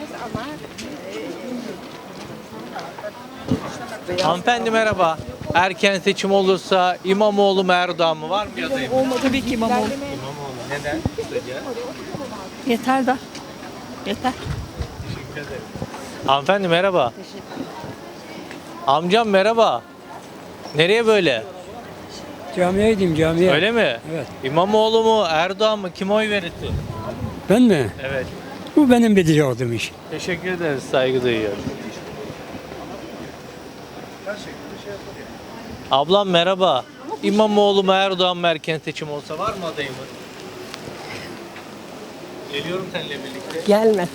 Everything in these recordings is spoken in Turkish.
Hanımefendi merhaba. Erken seçim olursa İmamoğlu mu Erdoğan mı var mı bir adayım? Tabii ki İmamoğlu. İmamoğlu. Neden? Kısaca. Yeter da. Yeter. Teşekkür ederim. Hanımefendi merhaba. Amcam merhaba. Nereye böyle? Camiye gideyim camiye. Öyle mi? Evet. İmamoğlu mu Erdoğan mı? Kim oy verirsin? Ben mi? Evet. Bu benim bileceğim iş. Teşekkür ederiz. Saygı duyuyorum. Ablam merhaba. İmamoğlu mu Erdoğan mı erken seçim olsa var mı adayımız? Geliyorum seninle birlikte. Gelme.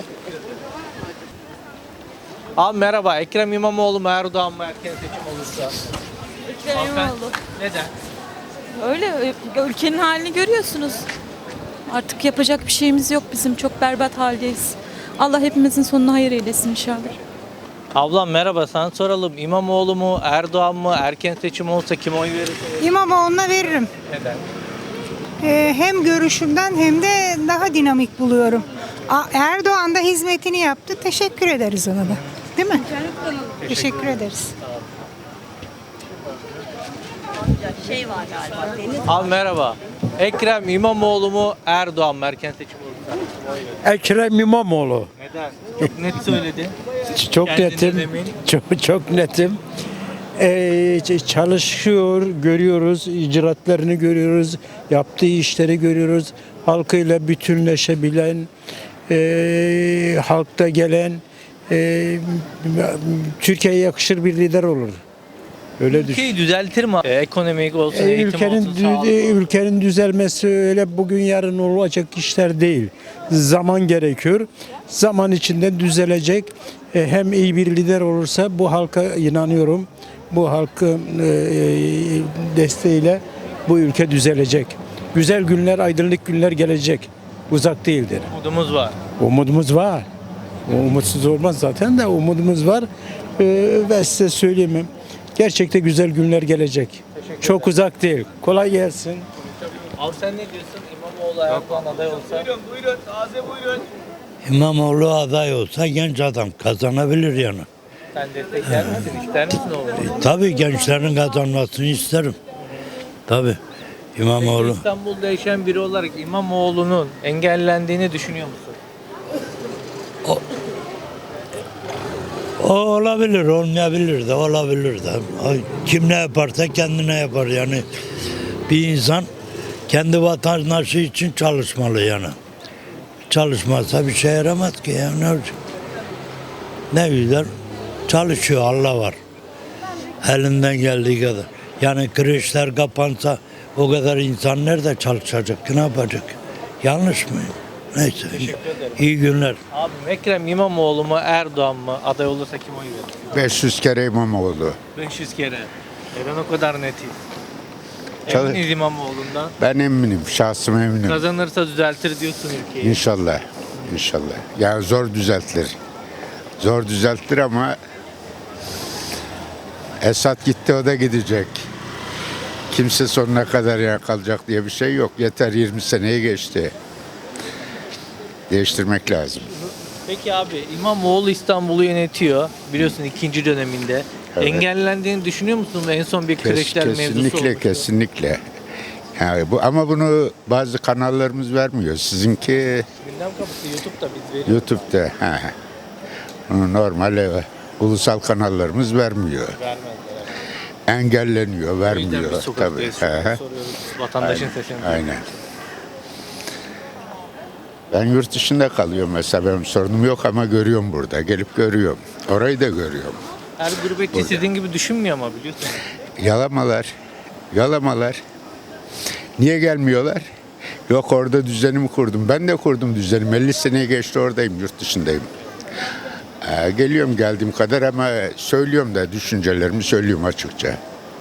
Abi merhaba. Ekrem İmamoğlu mu Erdoğan mı erken seçim olursa? Ekrem Hanımefendi, İmamoğlu. Neden? Öyle ülkenin halini görüyorsunuz. Artık yapacak bir şeyimiz yok bizim. Çok berbat haldeyiz. Allah hepimizin sonunu hayır eylesin inşallah. Ablam merhaba. Sana soralım. İmamoğlu mu Erdoğan mı erken seçim olsa kim oy verir? İmamoğlu'na veririm. Neden? Hem görüşümden hem de daha dinamik buluyorum. Erdoğan da hizmetini yaptı. Teşekkür ederiz ona da. Değil mi? Teşekkür ederiz. Abi merhaba. Ekrem İmamoğlu mu Erdoğan mı erken seçim olursa? Kim oy verir? Ekrem İmamoğlu. Neden? Çok net söyledi. Çok Kendine netim. emin. Çok netim. Çalışıyor, görüyoruz, icraatlarını görüyoruz, yaptığı işleri görüyoruz. Halkıyla bütünleşebilen, halkta gelen, Türkiye'ye yakışır bir lider olur. Öyle düşün. Ülkeyi düzeltir mi? Ekonomik olsun, eğitim olsun, sağlık olsun. Ülkenin düzelmesi öyle bugün yarın olacak işler değil. Zaman gerekiyor. Zaman içinde düzelecek. Hem iyi bir lider olursa bu halka inanıyorum. Bu halkın desteğiyle bu ülke düzelecek. Güzel günler, aydınlık günler gelecek. Uzak değildir. Umudumuz var. Umudumuz var. Umutsuz olmaz zaten de umudumuz var. Ve size söyleyeyim, gerçekten güzel günler gelecek. Çok uzak değil. Kolay gelsin. Abi sen ne diyorsun? İmamoğlu Erdoğan aday olsa? İmamoğlu aday olsa genç adam kazanabilir yani. Sen destekler misin? İster misin oğlum? Tabii gençlerin kazanmasını isterim. Tabii. İmamoğlu. İstanbul'da yaşayan biri olarak İmamoğlu'nun engellendiğini düşünüyor musun? O olabilir, olmayabilir de, olabilir de. Kim ne yaparsa kendine yapar yani. Bir insan kendi vatandaşı için çalışmalı yani. Çalışmazsa bir şey yaramaz ki ya. Ne olacak? Ne güzel çalışıyor, Allah var. Elinden geldiği kadar. Yani kreşler kapansa o kadar insan nerede çalışacak ki, ne yapacak? Yanlış mı? Neyse. İyi günler. Abi Ekrem İmamoğlu mu Erdoğan mı aday olursa kim oy verir? 500 kere İmamoğlu. 500 kere. Neden o kadar netiz? Çalı- Eminiz İmamoğlu'ndan. Ben eminim, şahsım eminim. Kazanırsa düzeltir diyorsun ülkeyi. İnşallah, inşallah. Yani zor düzeltilir. Zor düzeltilir ama Esad gitti, o da gidecek. Kimse sonuna kadar ya kalacak diye bir şey yok. Yeter, 20 seneyi geçti. Değiştirmek lazım. Peki abi İmamoğlu İstanbul'u yönetiyor. Biliyorsun ikinci döneminde. Evet. Engellendiğini düşünüyor musun? En son bir kreşler mevzusu Kesinlikle, olmuştu. kesinlikle. Yani ama bunu bazı kanallarımız vermiyor. Sizinki Gündem kapısı YouTube'da biz veriyoruz. YouTube'da. Bunu normal ulusal kanallarımız vermiyor. Vermezler. Engelleniyor, O yüzden vermiyor. biz sokaktayız. Soruyoruz. Vatandaşın Aynen, sesini. aynen. Ben yurt dışında kalıyorum mesela, benim sorunum yok ama görüyorum burada. Gelip görüyorum. Orayı da görüyorum. Her gurbetçi sizin gibi düşünmüyor ama biliyorsun. Yalamalar. Yalamalar. Niye gelmiyorlar? Yok, orada düzenimi kurdum. Ben de kurdum düzenimi. 50 seneye geçti oradayım, yurt dışındayım. Geliyorum geldiğim kadar ama söylüyorum da, düşüncelerimi söylüyorum açıkça.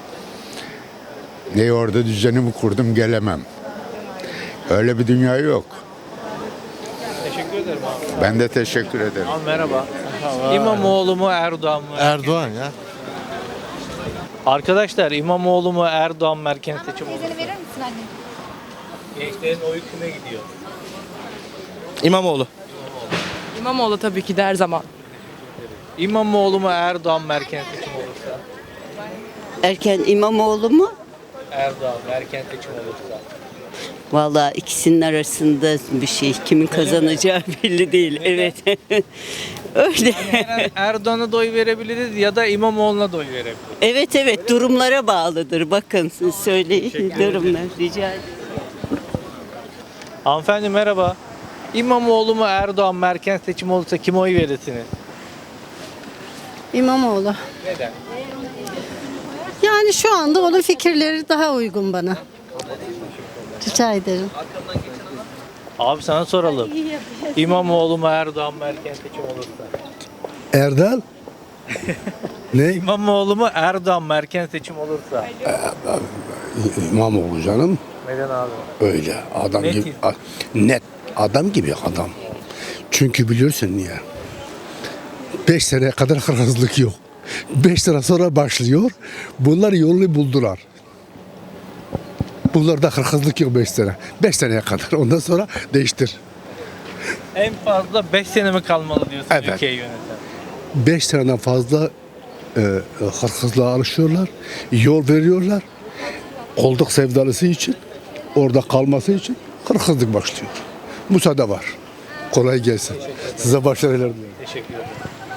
Niye orada düzenimi kurdum, gelemem. Öyle bir dünya yok. Teşekkür ederim abi. Ben de teşekkür ederim. Abi merhaba. İmamoğlu mu Erdoğan mı? Erdoğan ya. Arkadaşlar İmamoğlu mu Erdoğan mı erken seçim olur? Teyzeni verir misin anne? Gençlerin oyu kime gidiyor? İmamoğlu. İmamoğlu tabii ki de her zaman. İmamoğlu mu Erdoğan mı erken seçim olursa? Erken İmamoğlu mu? Erdoğan mı erken seçim olursa? Vallahi ikisinin arasında bir şey. Kimin kazanacağı belli değil. Evet. Öyle. Erdoğan'a da oy verebiliriz ya da İmamoğlu'na da oy verebiliriz. Evet durumlara bağlıdır. Bakın siz söyleyin durumlar. Rica ederim. Hanımefendi merhaba. İmamoğlu mu Erdoğan mı erken seçim olursa kime oy verirsiniz? İmamoğlu. Neden? Yani şu anda onun fikirleri daha uygun bana. Rica ederim. Abi sana soralım. İmamoğlu mu Erdoğan mı erken seçim olursa? Erdal? Ne? İmamoğlu mu Erdoğan mı erken seçim olursa? İmamoğlu canım. Neden abi? Öyle adam Net. gibi. Net. Adam gibi adam. Çünkü biliyorsun niye? 5 seneye kadar hırsızlık yok. 5 sene sonra başlıyor. Bunlar yolunu buldular. Bunlarda hırsızlık yok 5 sene. 5 seneye kadar. Ondan sonra değiştir. En fazla 5 sene mi kalmalı diyorsun Evet. ülkeyi yöneten? 5 seneden fazla hırsızlığa alışıyorlar. Yol veriyorlar. Kolluk sevdalısı için, orada kalması için hırsızlık başlıyor. Müsaade var. Kolay gelsin. Size başarılar diliyorum. Teşekkür ederim.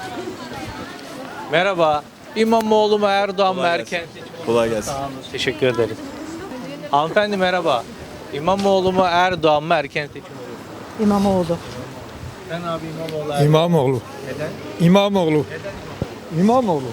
Merhaba. İmamoğlu mu Erdoğan mı erken seçim olursa? Kolay gelsin. Sağ olun. Teşekkür ederiz. Hanımefendi merhaba. İmamoğlu mu Erdoğan mı erken seçim olursa? İmamoğlu. Sen abi İmamoğlu Erdoğan. İmamoğlu. Neden? İmamoğlu. İmamoğlu.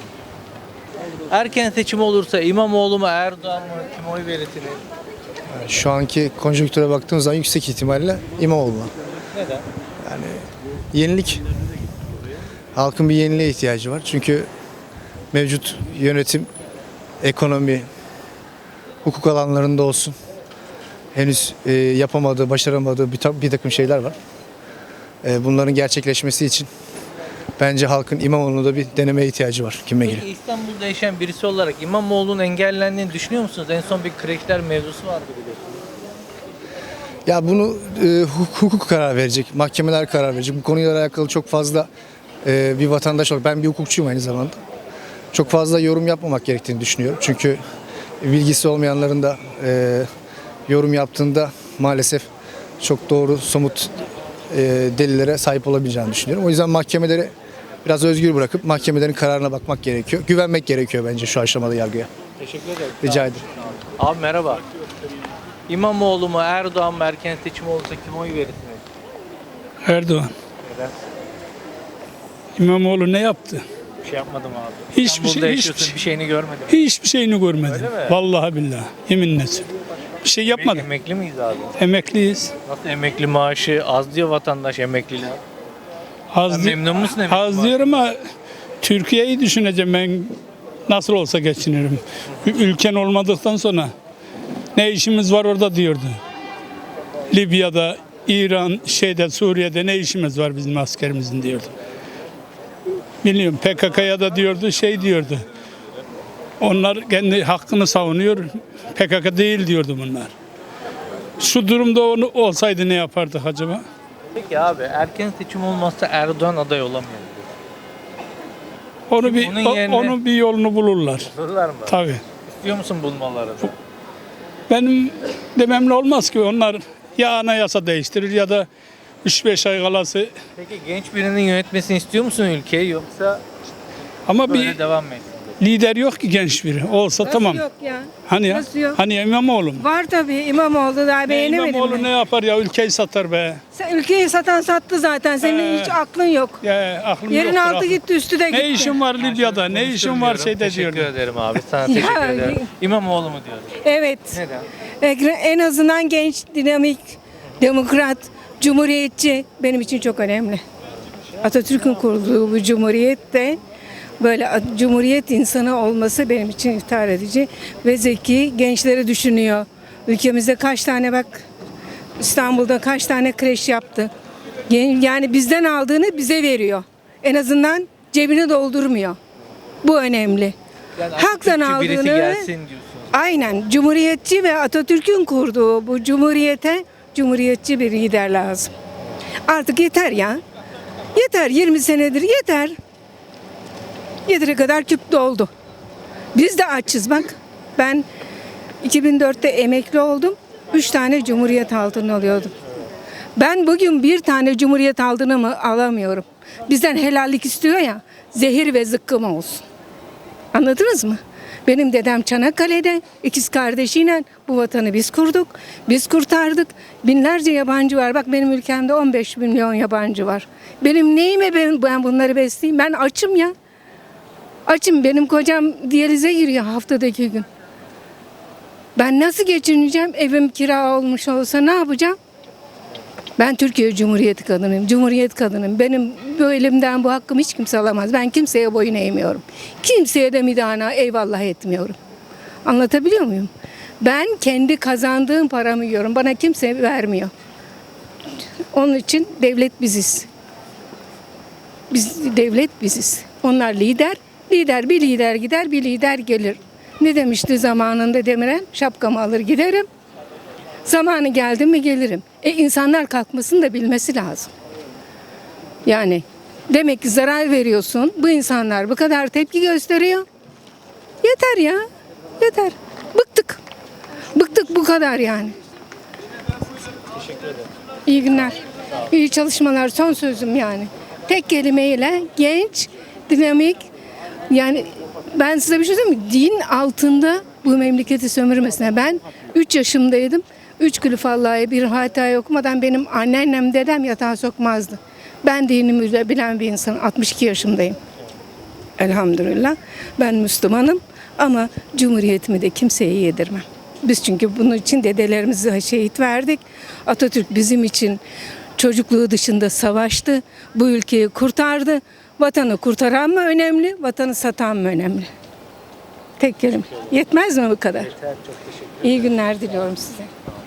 Erken seçim olursa İmamoğlu mu Erdoğan mı kime oy verirsiniz? Şu anki konjonktüre baktığımız zaman yüksek ihtimalle İmamoğlu. Neden? Yenilik. Halkın bir yeniliğe ihtiyacı var. Çünkü mevcut yönetim, ekonomi, hukuk alanlarında olsun henüz yapamadığı, başaramadığı bir takım şeyler var. Bunların gerçekleşmesi için bence halkın İmamoğlu'na da bir denemeye ihtiyacı var kime göre. Peki İstanbul'da yaşayan birisi olarak İmamoğlu'nun engellendiğini düşünüyor musunuz? En son bir kreşler mevzusu vardı biliyorsunuz. Ya bunu hukuk karar verecek, mahkemeler karar verecek. Bu konuyla alakalı çok fazla bir vatandaş olarak, ben bir hukukçuyum aynı zamanda. Çok fazla yorum yapmamak gerektiğini düşünüyorum. Çünkü bilgisi olmayanların da yorum yaptığında maalesef çok doğru, somut delillere sahip olabileceğini düşünüyorum. O yüzden mahkemeleri biraz özgür bırakıp mahkemelerin kararına bakmak gerekiyor. Güvenmek gerekiyor bence şu aşamada yargıya. Teşekkür ederim. Rica ederim. Abi merhaba. İmamoğlu mu Erdoğan mı erken seçim olursa kime oy verirsiniz? Erdoğan. Neden? İmamoğlu ne yaptı? Bir şey yapmadım abi. Hiçbir İstanbul'da şey- yaşıyorsun, hiçbir bir şeyini görmedim. Hiçbir şeyini görmedim. Öyle mi? Vallahi billahi. Yeminle söylüyorum. Bir şey yapmadım. Emekli miyiz abi? Emekliyiz. Nasıl emekli maaşı az diyor vatandaş emekliler. Az, Sen memnun musun emekli az diyor ama Türkiye'yi düşüneceğim ben. Nasıl olsa geçinirim. Ülken olmadıktan sonra ne işimiz var orada diyordu. Libya'da, İran, Suriye'de ne işimiz var bizim askerimizin diyordu. Biliyorum PKK'ya da diyordu diyordu. Onlar kendi hakkını savunuyor. PKK değil diyordu bunlar. Şu durumda onu olsaydı ne yapardık acaba? Peki abi erken seçim olmazsa Erdoğan aday olamıyor. Onu bir Onun yerine- onun bir yolunu bulurlar. Sorurlar mı? Tabii. İstiyor musun bulmalarını? Benim dememle olmaz ki onlar ya anayasa değiştirir ya da 3-5 ay kalası Peki genç birinin yönetmesini istiyor musun ülkeyi yoksa ama böyle bir devam mı etsin? lider yok ki genç biri. Olsa tamam. Yok ya. Hani ya? Nasıl yok? Hani İmamoğlu mu? Var tabii İmamoğlu daha beğenemedim. İmamoğlu ne yapar ya? Ülkeyi satar be. Sen ülkeyi sattı zaten. Senin hiç aklın yok. Ya aklım Yerin yoktur, altı aklım. gitti, üstü de gitti. Ne işin var Libya'da? Ne işin var şeyde Teşekkür diyordu. ederim abi. Sana teşekkür ederim. İmamoğlu mu diyorsun? Evet. Neden? En azından genç, dinamik, demokrat, cumhuriyetçi benim için çok önemli. Atatürk'ün kurduğu bu cumhuriyet de böyle cumhuriyet insanı olması benim için iftihar edici ve zeki, gençleri düşünüyor. Ülkemizde kaç tane bak İstanbul'da kaç tane kreş yaptı. Yani bizden aldığını bize veriyor. En azından cebini doldurmuyor. Bu önemli. Yani Halktan Atatürkçü birisi aldığını gelsin diyorsunuz. aynen cumhuriyetçi ve Atatürk'ün kurduğu bu cumhuriyete cumhuriyetçi bir lider lazım. Artık yeter ya. Yeter 20 senedir yeter. Yeteri kadar küp doldu. Biz de açız bak. Ben 2004'te emekli oldum. 3 tane Cumhuriyet altını alıyordum. Ben bugün bir tane Cumhuriyet altını mı alamıyorum. Bizden helallik istiyor ya. Zehir ve zıkkım olsun. Anladınız mı? Benim dedem Çanakkale'de ikiz kardeşiyle bu vatanı biz kurduk. Biz kurtardık. Binlerce yabancı var. Bak benim ülkemde 15 milyon yabancı var. Benim neyime ben bunları besleyeyim? Ben açım ya. Açım. Benim kocam diyalize giriyor haftada 2 gün. Ben nasıl geçineceğim? Evim kira olmuş olsa ne yapacağım? Ben Türkiye Cumhuriyeti kadınıyım. Cumhuriyet kadınıyım. Benim bu elimden bu hakkımı hiç kimse alamaz. Ben kimseye boyun eğmiyorum. Kimseye de midana eyvallah etmiyorum. Anlatabiliyor muyum? Ben kendi kazandığım paramı yiyorum. Bana kimse vermiyor. Onun için devlet biziz. Devlet biziz. Onlar lider. Bir lider gider, bir lider gelir. Ne demişti zamanında Demirel? Şapkamı alır giderim. Zamanı geldi mi gelirim. İnsanlar kalkmasını da bilmesi lazım. Yani demek ki zarar veriyorsun. Bu insanlar bu kadar tepki gösteriyor. Yeter ya. Yeter. Bıktık. Bıktık bu kadar yani. Teşekkür ederim. İyi günler. İyi çalışmalar. Son sözüm yani. Tek kelimeyle genç, dinamik. Yani ben size bir şey söyleyeyim mi? Din altında bu memleketi sömürmesine. Ben 3 yaşımdaydım. 3 Gülüfallah'ya bir hata okumadan benim anneannem dedem yatağa sokmazdı. Ben dinimi de bilen bir insanım. 62 yaşındayım. Elhamdülillah. Ben Müslümanım ama Cumhuriyetimi de kimseye yedirmem. Biz çünkü bunun için dedelerimizi şehit verdik. Atatürk bizim için çocukluğu dışında savaştı. Bu ülkeyi kurtardı. Vatanı kurtaran mı önemli, vatanı satan mı önemli? Tek kelime. Yetmez mi bu kadar? Yeter, çok teşekkür ederim. İyi günler diliyorum size.